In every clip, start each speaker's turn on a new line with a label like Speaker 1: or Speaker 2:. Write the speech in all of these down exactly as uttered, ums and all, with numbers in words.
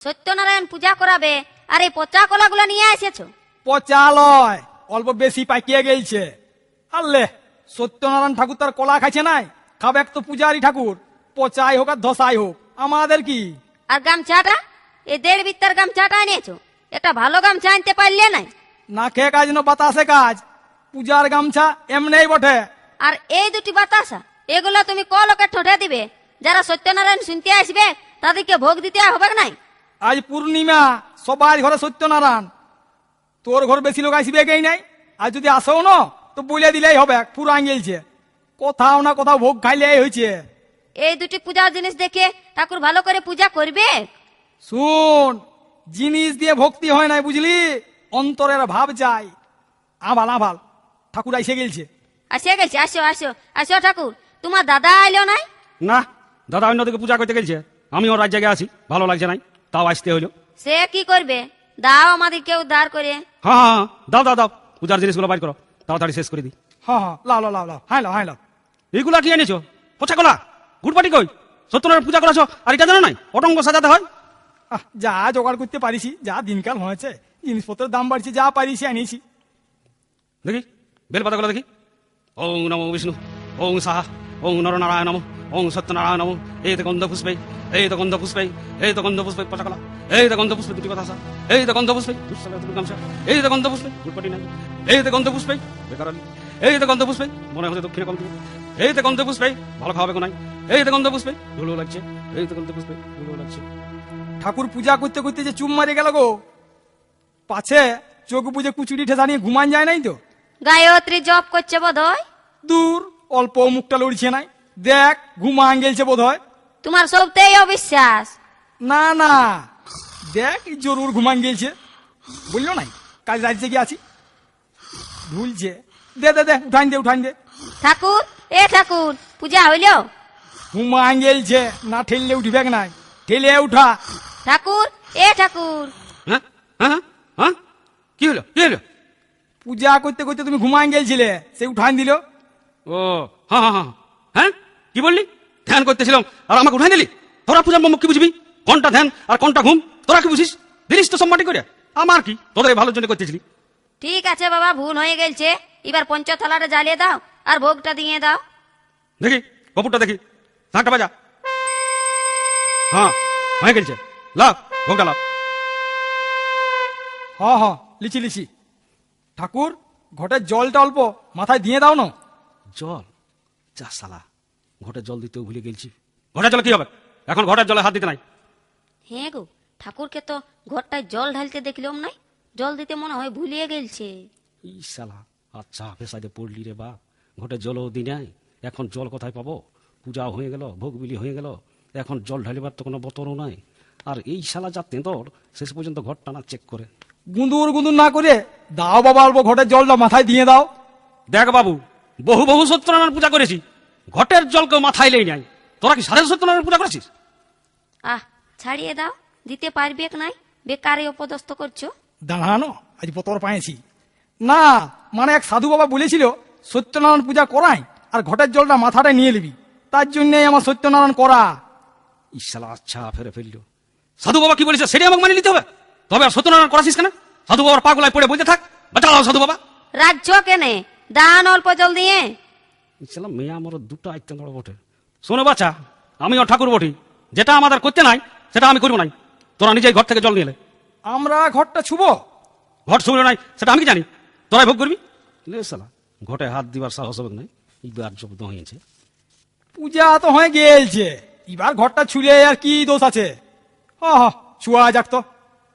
Speaker 1: সত্যনারায়ণ পূজা করাবে আর এই পচা কলাগুলো নিয়ে এসেছো?
Speaker 2: পচা লয়, অল্প বেশি পাকিয়ে গেছে। আল্লে, সত্যনারায়ণ ঠাকুর তার কলা খাইছে নাই, খাবে তো পূজারি ঠাকুর, পচাই হোক আর ধসাই হোক, আমাদের কি?
Speaker 1: আর গামছাটা, এই দেড় বিত্তার গামছাটা এনেছো, এটা ভালো গামছা আনতে পারলে নাই?
Speaker 2: না খেয়ে কাজ না বাতাসে কাজ, পূজার গামছা এমনি বটে।
Speaker 1: আর এই দুটি বাতাসা, এগুলো তুমি ক লোকে ঠোঁটে দিবে? যারা সত্যনারায়ণ শুনতে আসবে তাদেরকে ভোগ দিতে হবে নাই?
Speaker 2: আজ পূর্ণিমা, সবার ঘরে সত্যনারায়ণ, তোর ঘর বেশি লোক আসবে গেই নাই। আর যদি আসো না তো বলে দিলেই হবে, পুরো আঙ্গেলছে, কোথাও না কোথাও ভোগ খাইলে হয়েছে।
Speaker 1: এই দুটি পূজার জিনিস দেখে ঠাকুর ভালো করে পূজা করবে?
Speaker 2: শুন, জিনিস দিয়ে ভক্তি হয় নাই, বুঝলি, অন্তরের ভাব চাই। আভাল আভাল, ঠাকুর এসে গেলছে।
Speaker 1: আসে গেছে, আসো আসো আসো ঠাকুর। তোমার দাদা আইলো নাই?
Speaker 3: না, দাদা অন্যদিকে পূজা করতে গেছে, আমি ওর রাত জায়গায় আছি, ভালো লাগছে নাই, তাও আসতে হইলো।
Speaker 1: সে কি করবে, দাও আমাদেরকে উদ্ধার করে।
Speaker 3: হ্যাঁ হ্যাঁ হ্যাঁ, দাও দাও দাও, পূজার জিনিসগুলো বাইর করো, তাড়াতাড়ি শেষ করে দিই।
Speaker 2: হ্যাঁ হ্যাঁ, লাও লাও লাও লাও, হাই লাও হাই লাও।
Speaker 3: এইগুলা কি এনেছো? পচা কলা, গুড়পাটি কই? সত্যনারায়ণ পূজা করেছো আর এটা জানো নাই অটঙ্গ সাজাতে হয়?
Speaker 2: আহ, যা জোগাড় করতে পারিছি, যা দিনকাল হয়েছে, জিনিসপত্রের দাম বাড়ছে, যা পারিছি আনিছি।
Speaker 3: দেখি বেলপাতাগুলো দেখি। ওং নমো বিষ্ণু, ওং সাহা, ওং নরনারায়ণ নম, ওং সত্যনারায়ণ নম। এই তো গন্ধ পুষ্পে, এই তো গন্ধ পুষ্পে, এই তো গন্ধ পুষ্পে পচা কলা, এই তো গন্ধ পুষ্পে দুটি কথা, এই তো গন্ধ পুষ্পে গামছা, এই তো গন্ধ পুষ্পে গুড়পাটি নাই, এই তো গন্ধ পুষ্পে বেকারালি, এই তো গন্ধ পুষ্পে মনে হচ্ছে দক্ষিণে কম দিকে, এই তো গন্ধ পুষ্পে ভালো খাওয়াবে নাই, এই তো গন্ধ পুষ্পে ধুলো লাগছে, এই তো গন্ধ পুষ্পে ধুলো লাগছে।
Speaker 2: ঠাকুর পূজা করতে করতে যে চুম মারে গেল গো, পাছে চোখ বুঝে কুচুরি ঠেসা নিয়ে ঘুমান যায় নাই তো?
Speaker 1: গায়ত্রী জপ করছে বোধ হয়।
Speaker 2: দূর, অল্প মুখটা লড়ছে নাই, দেখ ঘুমান গেলছে বোধ হয়।
Speaker 1: তোমার সবতেই অবিশ্বাস।
Speaker 2: না না, দেখ জরুর ঘুমান গেলছে, বললো নাই কাজ রাজ্যে গিয়ে আছি, ভুলছে। দে দে দে, উঠান দে উঠান দে।
Speaker 1: ঠাকুর, এ ঠাকুর, পূজা হইল?
Speaker 2: ঘুমান গেলছে, না ঠেললে উঠবে নাই, ঠেলে উঠা।
Speaker 1: ঠাকুর, এ ঠাকুর।
Speaker 3: হ্যাঁ হ্যাঁ হ্যাঁ, কি হলো কি হলো?
Speaker 2: পূজা করতে করতে তুমি ঘুমান গেলছিলে, সে উঠান দিল।
Speaker 3: ও হ্যাঁ হ্যাঁ হ্যাঁ হ্যাঁ, কি বললি? ধ্যান করতেছিলাম আর আমাকে উঠাই দিলি? তোরা পূজার মম্মক কি বুঝবি? কোনটা ধ্যান আর কোনটা ঘুম তোরা কি বুঝিস? দিলিস তো সম্মাটি করে, আমার কি, তোদের ভালোর জন্য করতেছিলি।
Speaker 1: ঠিক আছে বাবা, ভুল হয়ে গেছে, এবার পঞ্চথালাটা জ্বালিয়ে দাও আর ভোগটা দিয়ে দাও।
Speaker 3: দেখি কপুরটা দেখি, শাঁখটা বাজা। হ্যাঁ হয়ে গেছে, লাভ ভোগটা লাভ।
Speaker 2: হ হ, লিচি লিচি। ঠাকুর, ঘটের জলটা অল্প মাথায় দিয়ে দাও না।
Speaker 3: জল? যা সালা, ঘটের জল দিতেও ভুলে গেছি। ঘটের জলে কি হবে? এখন ঘটের জলে হাত দিতে নাই।
Speaker 1: হ্যাঁ গো, ঠাকুরকে তো ঘরটায় জল ঢালতে দেখলাম নাই, জল দিতে মনে হয় ভুলিয়ে গেলছে।
Speaker 3: ই সালা, আচ্ছা পেশাদে পড়লি রে বা, ঘটের জলও দি নাই, এখন জল কোথায় পাবো? পূজা হয়ে গেল, ভোগ বিলি হয়ে গেল, এখন জল ঢালিবার তো কোনো বতরও নাই। আর এই শালা যা তেঁদর, শেষ পর্যন্ত ঘর টানা চেক করে।
Speaker 2: গুঁদুর গুঁদুর না করে দাও বাবা, অল্প ঘটের জলটা মাথায় দিয়ে দাও।
Speaker 3: দেখ বাবু, বহু বহু সত্যনারায়ণ পূজা করেছি, ঘটের জল কেউ মাথায় লেই নাই। তোরা কি সাড়ে সত্যনারায়ণ পূজা করেছিস?
Speaker 1: আহ, ছাড়িয়ে দাও, দিতে পারবে নাই, বেকারে অপদস্থ করছো।
Speaker 2: দাঁড়ানো, আজ বতর পাইছি না, মানে এক সাধু বাবা বলেছিল সত্যনারায়ণ পূজা করাই আর ঘটের জলটা মাথাটা নিয়ে নিবি, তার জন্যই আমার সত্যনারায়ণ করা।
Speaker 3: ইশালা আচ্ছা ফেরে ফেলল। সাধু বাবা কি বলেছে সেটাই আমাকে মানিয়ে নিতে হবে? তবে আর সত্যনারায়ণ করাছিস কেন? সাধু বাবার পাগলায় পড়ে বলতে থাক, বাঁচাও সাধু বাবা।
Speaker 1: রাজ্য কেনে দান অল্প জল দিয়ে।
Speaker 3: ইশালা মেয়ে আমার দুটো আইতেন বটে। শোনো বাচ্চা, আমিও ঠাকুর বটি, যেটা আমাদের করতে নাই সেটা আমি করবো নাই। তোরা নিজেই ঘর থেকে জল নিয়ে এলে।
Speaker 2: আমরা ঘরটা ছুবো?
Speaker 3: ঘর ছুঁড়ে নাই সেটা আমি কি জানি, তোরাই ভোগ করবি। লে শালা, ঘটে হাত দিবার সাহস হবে নাই, এইবার জব্দ হয়েছে।
Speaker 2: পূজা তো হয়ে গেলছে, এবার ঘরটা ছুলে আর কি দোষ আছে? হ হ, ছুয়া যাক তো।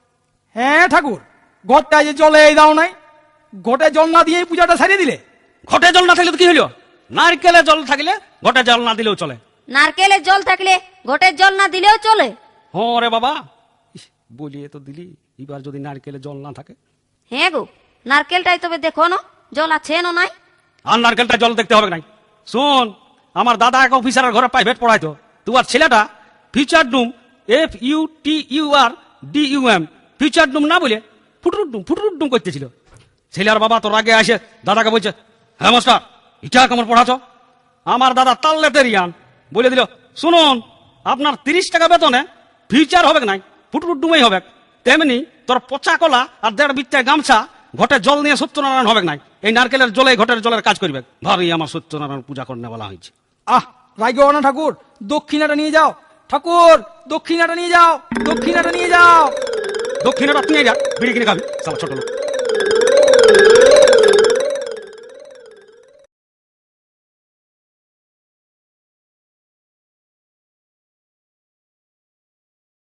Speaker 2: হ্যাঁ ঠাকুর, ঘরটা যে জলে দাও নাই, ঘটে জল না দিয়ে পূজাটা সারিয়ে দিলে।
Speaker 3: ঘটে জল না থাকলে তো কি হইলো? নারকেলের জল থাকলে ঘটে জল না দিলেও চলে।
Speaker 1: নারকেলের জল থাকলে ঘটের জল না দিলেও চলে?
Speaker 3: হ্যাঁ রে বাবা, ইস, বলিয়ে তো দিলি, এবার যদি নারকেলের জল না থাকে।
Speaker 1: হ্যাঁ গো, নারকেলটাই তবে দেখো না জল আছে না নাই।
Speaker 3: আর নারকেলটা জল দেখতে হবে নাই। শোন, আমার দাদা এক অফিসারের ঘরে প্রাইভেট পড়াইতো, তোমার ছেলেটা future doom, F U T U R D U M, future doom না বলে ফুটুর ডুম ফুটুর ডুম করতেছিল। ছেলের বাবা তোর আগে আসে দাদাকে বলছে, হ্যাঁ মাস্টার এটা কেমন পড়াছ? আমার দাদা তাল্লেটেরিয়ান বলে দিল, শুনুন আপনার তিরিশ টাকা বেতনে ফিউচার হবে নাই, ফুটফুট ডুমাই হবে, তেমনি তোর পচা কলা আর দেড় বিত্তায় গামছা ঘটে জল নিয়ে সত্যনারায়ণ হবে নাই, এই নারকেলের জলে ঘটের জলের কাজ করবে। ভারী আমার সত্যনারায়ণ পূজা করতে বলা হয়েছে।
Speaker 2: আহ রাইগো না ঠাকুর, দক্ষিণাটা নিয়ে যাও। ঠাকুর দক্ষিণাটা নিয়ে যাও, দক্ষিণাটা নিয়ে যাও।
Speaker 3: দক্ষিণে রত্ন যা বিড়ি কিনে খাবি, সালা ছোট লোক।